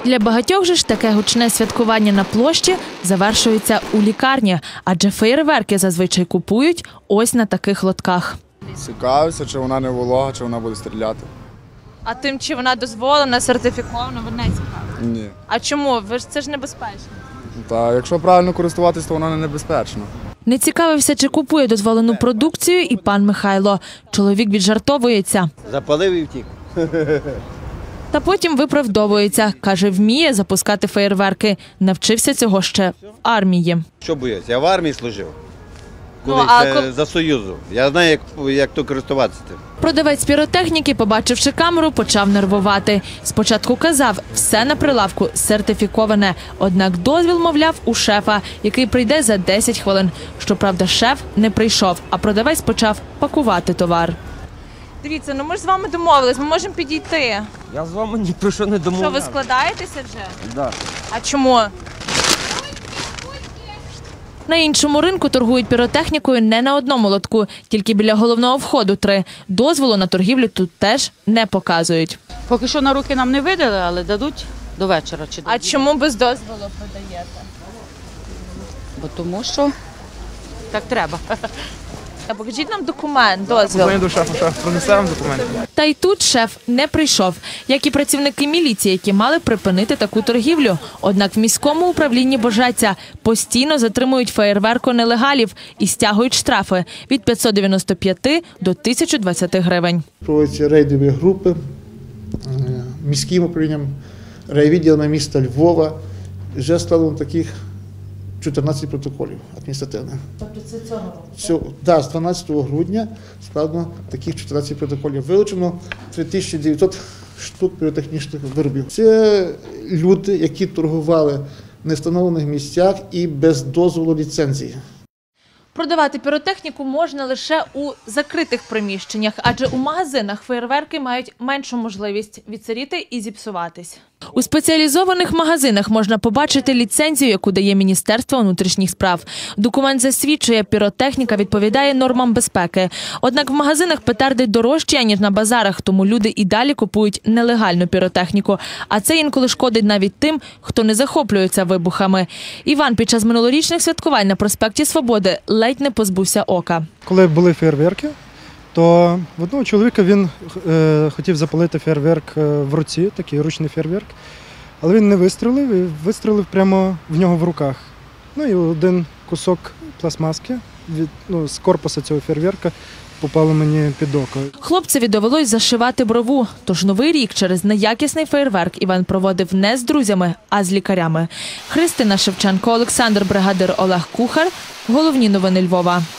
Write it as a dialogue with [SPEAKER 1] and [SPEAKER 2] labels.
[SPEAKER 1] Для багатьох же ж таке гучне святкування на площі завершується у лікарні, адже феєрверки зазвичай купують ось на таких лотках.
[SPEAKER 2] Цікавився, чи вона не волога, чи вона буде стріляти.
[SPEAKER 1] А тим, чи вона дозволена, сертифікована, ви не цікаві?
[SPEAKER 2] Ні.
[SPEAKER 1] А чому? Це ж небезпечно.
[SPEAKER 2] Та якщо правильно користуватись, то вона не небезпечна.
[SPEAKER 1] Не цікавився, чи купує дозволену продукцію, і пан Михайло. Чоловік віджартовується.
[SPEAKER 3] Запалив і втік.
[SPEAKER 1] Та потім виправдовується. Каже, вміє запускати феєрверки. Навчився цього ще в армії.
[SPEAKER 3] Що боюсь? Я в армії служив. За Союзу. Я знаю, як то користуватися тим.
[SPEAKER 1] Продавець піротехніки, побачивши камеру, почав нервувати. Спочатку казав, все на прилавку сертифіковане. Однак дозвіл, мовляв, у шефа, який прийде за 10 хвилин. Щоправда, шеф не прийшов, а продавець почав пакувати товар. Дивіться, ми ж з вами домовились, ми можемо підійти.
[SPEAKER 4] Я з вами ні про що не домовився.
[SPEAKER 1] Що, ви складаєтеся вже?
[SPEAKER 4] Так.
[SPEAKER 1] А чому? На іншому ринку торгують піротехнікою не на одному лотку, тільки біля головного входу 3. Дозволу на торгівлю тут теж не показують.
[SPEAKER 5] Поки що на руки нам не видали, але дадуть до вечора.
[SPEAKER 1] А чому без дозволу продаєте?
[SPEAKER 5] Бо тому що так треба.
[SPEAKER 1] Покажіть нам документ, дозвіл.
[SPEAKER 6] До шефа, принесе вам документи.
[SPEAKER 1] Та й тут шеф не прийшов, як і працівники міліції, які мали припинити таку торгівлю. Однак в міському управлінні Божеця постійно затримують феєрверко-нелегалів і стягують штрафи від 595 до 1020 гривень.
[SPEAKER 7] Проводяться рейдові групи міським управлінням, райвідділами міста Львова. Вже складено таких 14 протоколів адміністративних.
[SPEAKER 1] Тобто це цього року?
[SPEAKER 7] Так, з 12 грудня складено таких 14 протоколів. Вилучено 3900 штук піротехнічних виробів. Це люди, які торгували в невстановлених місцях і без дозволу ліцензії.
[SPEAKER 1] Продавати піротехніку можна лише у закритих приміщеннях, адже у магазинах феєрверки мають меншу можливість відсиріти і зіпсуватись. У спеціалізованих магазинах можна побачити ліцензію, яку дає Міністерство внутрішніх справ. Документ засвідчує, піротехніка відповідає нормам безпеки. Однак в магазинах петарди дорожчі, ніж на базарах, тому люди і далі купують нелегальну піротехніку. А це інколи шкодить навіть тим, хто не захоплюється вибухами. Іван під час минулорічних святкувань на проспекті Свободи ледь не позбувся ока.
[SPEAKER 6] Коли були фейерверки, то в одного чоловіка він хотів запалити фейерверк в руці, такий ручний фейерверк, але він не вистрелив і вистрелив прямо в нього в руках. Ну і один кусок пластмаски з корпусу цього фейерверка попало мені під око.
[SPEAKER 1] Хлопцеві довелось зашивати брову, тож новий рік через неякісний феєрверк Іван проводив не з друзями, а з лікарями. Христина Шевченко, Олександр Бригадир, Олег Кухар. Головні новини Львова.